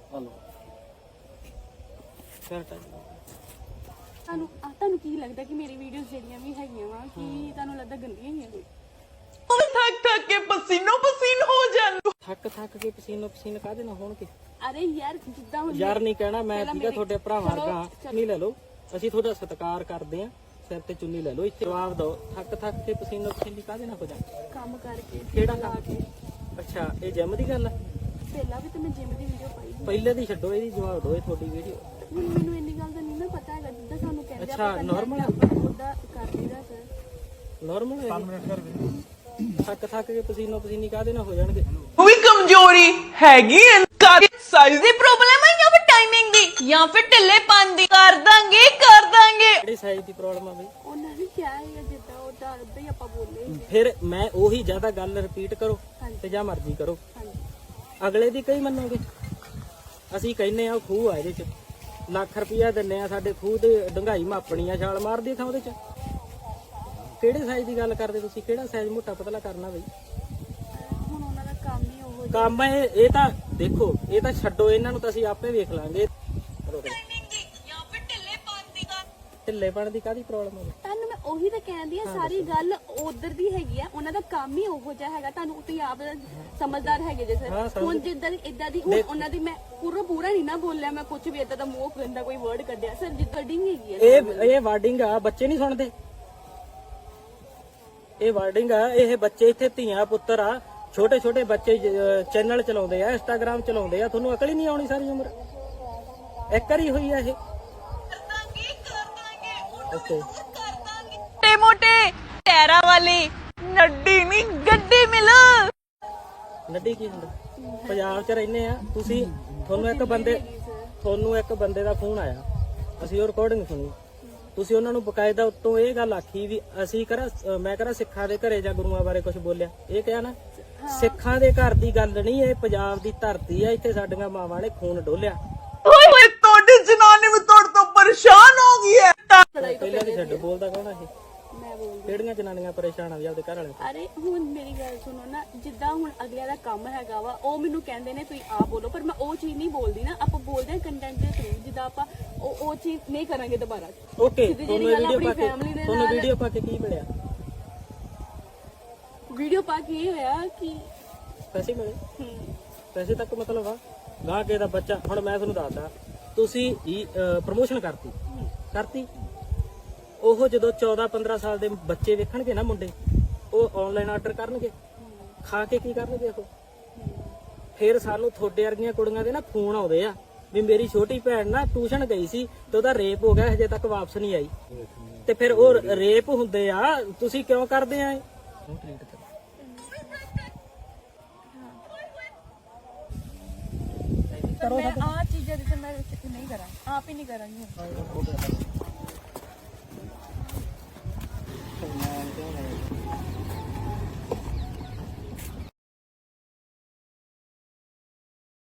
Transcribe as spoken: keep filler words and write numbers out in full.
Hello ਫਿਰ time ਤੁਹਾਨੂੰ ਆ ਤੁਹਾਨੂੰ ਕੀ ਲੱਗਦਾ ਕਿ ਮੇਰੀ ਵੀਡੀਓਜ਼ ਜਿਹੜੀਆਂ ਵੀ ਹੈਗੀਆਂ ਵਾ ਕਿ ਤੁਹਾਨੂੰ ਲੱਗਦਾ ਗੰਦੀਆਂ ਹੀ ਆ ਕੋਈ ਥੱਕ ਥੱਕ ਕੇ ਪਸੀਨੋ ਪਸੀਨ ਹੋ ਜਾਣ ਥੱਕ ਥੱਕ ਕੇ ਪਸੀਨੋ ਪਸੀਨ ਕਾਹਦੇ ਨਾਲ ਹੋਣਗੇ? ਅਰੇ ਯਾਰ ਜਿੱਦਾਂ ਹੁਣ ਯਾਰ ਨਹੀਂ ਕਹਿਣਾ ਮੈਂ ਪਹਿਲਾਂ ਠੀਕਾ ਮੇਰੀ- ਤੁਹਾਡੇ ਭਰਾਵਾਂ ਚਲੋ, ਵਰਗਾ ਚਲੋ। ਨਹੀਂ ਲੈ ਲਓ ਅਸੀਂ ਤੁਹਾਡਾ ਸਤਿਕਾਰ ਕਰਦੇ ਆ ਸਿਰ ਤੇ ਚੁੰਨੀ ਲੈ ਲਓ ਇੱਥੇ ਜਵਾਬ ਦਿਓ ਥੱਕ ਥੱਕ ਕੇ ਪਸੀਨੋ ਪਸੀਨੀ ਕਾਹਦੇ ਨਾਲ ਹੋ ਜਾ ਕੰਮ ਕਰਕੇ ਕਿਹੜਾ ਲਾ ਕੰਮ? ਕੇ ਅੱਛਾ ਇਹ ਜਿਮ ਦੀ ਗੱਲ ਆ ਪਹਿਲਾਂ ਵੀ ਤਾਂ ਮੈਂ ਜਿਮ ਦੀ ਵੀਡੀਓ ਪਾਈ ਸੀ। ਪਹਿਲੇ ਦੀ ਛੱਡੋ ਇਹਦੀ ਜਵਾਬ ਦਿਓ ਇਹ ਤੁਹਾਡੀ ਵੀਡੀਓ ਹੁਣ ਮੈਨੂੰ ਇੰਨੀ ਗੱਲ ਦਾ ਨਹੀਂ ਨਾ ਪਤਾ ਹੈਗਾ ਜਿੱਦਾਂ ਸਾਨੂੰ ਕਹਿੰਦੇ ਅੱਛਾ, normal ਆ? ਉਹਦਾ ਕਰ ਲਈਦਾ ਸਰ ਨਾਰਮਲ ਹੈ ਥੱਕ ਥੱਕ ਕੇ ਪਸੀਨੋ ਪਸੀਨੀ ਕਾਹਦੇ ਨਾਲ ਹੋ ਜਾਣਗੇ? ਵੀ ਕਮਜ਼ੋਰੀ ਹੈਗੀ ਐ ਸਾਈਜ਼ ਦੀ ਪ੍ਰੋਬਲਮ ਹੈ ਜਾਂ ਫਿਰ ਟਾਈਮਿੰਗ ਦੀ ਜਾਂ ਫਿਰ ਢਿੱਲੇ ਦੀ ਕਰ ਦਾਂਗੇ ਕਰ ਦਾਂਗੇ ਕਿਹੜੀ ਸਾਈਜ਼ ਦੀ ਪ੍ਰੋਬਲਮ ਆ ਬਈ? ਉਹਨਾਂ ਨੇ ਕਿਹਾ ਹੈ ਜਿੱਦਾਂ ਉਹਦਾ ਉਦਾਂ ਹੀ ਆਪਾਂ ਬੋਲੇ ਸੀਗੇ। ਫਿਰ ਮੈਂ ਉਹੀ ਜ਼ਿਆਦਾ ਗੱਲ ਰਿਪੀਟ ਕਰੋ ਹਾਂਜੀ। ਤੇ ਜਾਂ ਮਰਜ਼ੀ ਕਰੋ ਹਾਂਜੀ ਅਗਲੇ ਦੀ ਕਈ ਮੰਨੋਗੇ ਅਸੀਂ ਕਹਿੰਨੇ ਆ ਉਹ ਖੂਹ ਆ ਇਹਦੇ ਚ ਲੱਖ ਰੁਪਇਆ ਦਿੰਨੇ ਆ ਸਾਡੇ ਖੂਹ ਤੇ ਡੰਗਾਈ ਮਾਪਣੀ ਆ ਛਾਲ ਮਾਰਦੀ ਥਾਂ ਉਹਦੇ ਚ ਕਿਹੜੇ ਸਾਈਜ਼ ਦੀ ਗੱਲ ਕਰਦੇ ਤੁਸੀਂ? ਕਿਹੜਾ ਸਾਈਜ਼ ਮੋਟਾ ਪਤਲਾ ਕਰਨਾ ਬਈ? ਅਹ ਹੁਣ ਉਹਨਾਂ ਦਾ ਕੰਮ ਹੀ ਉਹ ਜਿਹਾ- ਕੰਮ ਇਹ ਇਹ ਤਾਂ ਦੇਖੋ ਇਹ ਤਾਂ ਛੱਡੋ ਇਹਨਾਂ ਨੂੰ ਤਾਂ ਅਸੀਂ ਆਪੇ ਵੇਖ ਲਾਂਗੇ ਜਾਂ ਫਿਰ ਢਿੱਲੇ ਦੀ ਢਿੱਲੇਪਣ ਦੀ ਕਾਹਦੀ ਪ੍ਰੋਬਲਮ ਹੈ? ਤੁਹਾਨੂੰ ਮੈਂ ਉਹੀ ਤਾਂ ਕਹਿੰਦੀ ਆ ਸਾਰੀ ਗੱਲ ਉਧਰ ਦੀ ਹੈਗੀ ਆ ਉਹਨਾਂ ਦਾ ਕੰਮ ਹੀ ਉਹੋ ਜਿਹਾ ਹੈਗਾ ਤੁਹਾਨੂੰ ਤੁਸੀਂ ਆਪ ਸਮਝਦਾਰ ਹੈਗੇ ਜੇ ਹਾਂ, ਸਰ ਸਮਝ- ਹੁਣ ਜਿੱਦਾਂ ਦੀ ਇਦਾਂ ਦੀ ਹੁਣ ਉਹਨਾਂ ਦੀ ਮੈਂ ਪੂਰਾ ਪੂਰਾ ਨਹੀਂ ਨਾ ਬੋਲਿਆ ਮੈਂ ਕੁਝ ਵੀ ਇਦਾਂ ਦਾ ਮੂੰਹ ਗੰਦਾ ਕੋਈ ਵਰਡ ਕੱਢਿਆ ਸਰ ਜਿੱਦਾਂ ਡਿੰਗ ਹੈਗੀ ਆ ਇਹ ਇਹ ਵਾਰਡਿੰਗ ਆ ਬੱਚੇ ਨਹੀਂ ਸੁਣਦੇ ਇਹ ਵਾਰਡਿੰਗ ਆ ਇਹ ਬੱਚੇ ਇੱਥੇ ਧੀਆਂ ਪੁੱਤਰ ਆ ਛੋਟੇ ਛੋਟੇ ਬੱਚੇ ਚੈਨਲ ਚਲਾਉਂਦੇ ਆ ਇੰਸਟਾਗ੍ਰਾਮ ਚਲਾਉਂਦੇ ਆ ਤੁਹਾਨੂੰ ਅਕਲ ਹੀ ਨਹੀਂ ਆਉਣੀ ਸਾਰੀ ਉਮਰ ਇੱਕ ਵਾਰੀ ਹੋਈ ਆ ਇਹ ਓਕੇ ਮੋਟੇ ਮੋਟੇ ਟੈਰਾ ਵਾਲੀ ਨੱਡੀ ਨਹੀਂ ਗੱਡੀ ਮਿਲ ਨੱਡੀ ਕੀ ਹੁੰਦਾ? ਪੰਜਾਬ 'ਚ ਰਹਿੰਦੇ ਆ ਤੁਸੀਂ ਤੁਹਾਨੂੰ ਇੱਕ ਬੰਦੇ ਤੁਹਾਨੂੰ ਇੱਕ ਬੰਦੇ ਦਾ ਫੋਨ ਆਇਆ ਅਸੀਂ ਉਹ ਰਿਕਾਰਡਿੰਗ ਸੁਣੀ ਤੁਸੀਂ ਉਹਨਾਂ ਨੂੰ ਬਕਾਇਦਾ ਉੱਤੋਂ ਇਹ ਗੱਲ ਆਖੀ ਵੀ ਅਸੀਂ ਕਰਾ ਮੈਂ ਕਰਾ ਸਿੱਖਾਂ ਦੇ ਘਰੇ ਜਾਂ ਗੁਰੂਆਂ ਬਾਰੇ ਕੁਝ ਬੋਲਿਆ ਇਹ ਕਿਹਾ ਨਾ ਸਿੱਖਾਂ ਦੇ ਘਰ ਦੀ ਗੱਲ ਨਹੀਂ ਇਹ ਪੰਜਾਬ ਦੀ ਧਰਤੀ ਆ ਇੱਥੇ ਸਾਡੀਆਂ ਮਾਵਾਂ ਨੇ ਖੂਨ ਡੋਲਿਆ ਓਏ ਹੋਏ ਤੁਹਾਡੀ ਜਨਾਨੀ ਵੀ ਤੁਹਾਡੇ ਤੋਂ ਪਰੇਸ਼ਾਨ ਹੋ ਗਈ ਹੈ ਪਹਿਲਾਂ ਦੀ ਛੱਡ ਬੋਲਦਾ ਕੌਣ ਆ ਇਹ ਮੈਂ ਬੋਲਦੀ ਕਿਹੜੀਆਂ ਜਨਾਨੀਆਂ ਪਰੇਸ਼ਾਨ ਆ ਵੀ ਆਪਦੇ ਘਰ ਵਾਲੇ ਅਰੇ ਹੁਣ ਮੇਰੀ ਗੱਲ ਸੁਣੋ ਨਾ ਜਿੱਦਾਂ ਹੁਣ ਅਗਲਿਆਂ ਦਾ ਕੰਮ ਹੈਗਾ ਵਾ ਉਹ ਮੈਨੂੰ ਕਹਿੰਦੇ ਨੇ ਤੁਸੀਂ ਆਪ ਬੋਲੋ ਪਰ ਮੈਂ ਉਹ ਚੀਜ਼ ਨਹੀਂ ਬੋਲਦੀ ਨਾ ਆਪਾਂ ਬੋਲਦੇ ਹਾਂ ਕੰਟੈਂਟ ਦੇ ਥਰੂ ਜਿੱਦਾਂ ਆਪਾਂ ਉਹ ਉਹ ਚੀਜ਼ ਨਹੀਂ ਕਰਾਂਗੇ ਦੁਬਾਰਾ ਓਕੇ ਸਿੱਧੀ ਤੁਹਾਨੂੰ ਜਿਹੜੀ ਗੱਲ ਵੀਡੀਓ ਪਾ ਆਪਣੀ ਕੇ family ਦੇ ਤੁਹਾਨੂੰ ਨਾਲ- ਵੀਡੀਓ ਪਾ ਕੇ ਕੀ ਮਿਲਿਆ? ਵੀਡੀਓ ਪਾ ਕੇ ਇਹ ਹੋਇਆ ਕਿ ਪੈਸੇ ਮਿਲੇ? ਹਮ, ਪੈਸੇ ਤੱਕ ਮਤਲਬ ਆ ਗਾਹ ਕੇ ਦਾ ਬੱਚਾ ਹੁਣ ਮੈਂ ਤੁਹਾਨੂੰ ਦੱਸਦਾ ਤੁਸੀਂ ਪ੍ਰਮੋਸ਼ਨ ਕਰਤੀ ਕਰਤੀ ਉਹ ਜਦੋਂ ਚੌਦਾਂ ਪੰਦਰਾਂ ਸਾਲ ਦੇ ਬੱਚੇ ਵੇਖਣਗੇ ਨਾ ਮੁੰਡੇ ਉਹ ਆਨਲਾਈਨ ਆਰਡਰ ਕਰਨਗੇ ਖਾ ਕੇ ਕੀ ਕਰਨਗੇ ਉਹ ਫਿਰ ਸਾਨੂੰ ਥੋੜੇ ਵਰਗੀਆਂ ਕੁੜੀਆਂ ਦੇ ਨਾ ਫੋਨ ਆਉਂਦੇ ਆ ਵੀ ਮੇਰੀ ਛੋਟੀ ਭੈਣ ਨਾ ਟਿਊਸ਼ਨ ਗਈ ਸੀ ਤੇ ਉਹਦਾ ਰੇਪ ਹੋ ਗਿਆ ਹਜੇ ਤੱਕ ਵਾਪਸ ਨਹੀਂ ਆਈ ਤੇ ਫਿਰ ਉਹ ਰੇਪ ਹੁੰਦੇ ਆ ਤੁਸੀਂ ਕਿਉਂ ਕਰਦੇ ਆ ਇਹ ਪਰ ਮੈਂ ਆ ਚੀਜ਼ਾਂ ਜਿੱਥੇ ਮੈਂ ਨਹੀਂ ਕਰਾਂ ਆਪ ਹੀ ਨਹੀਂ ਕਰਾਂਗੀ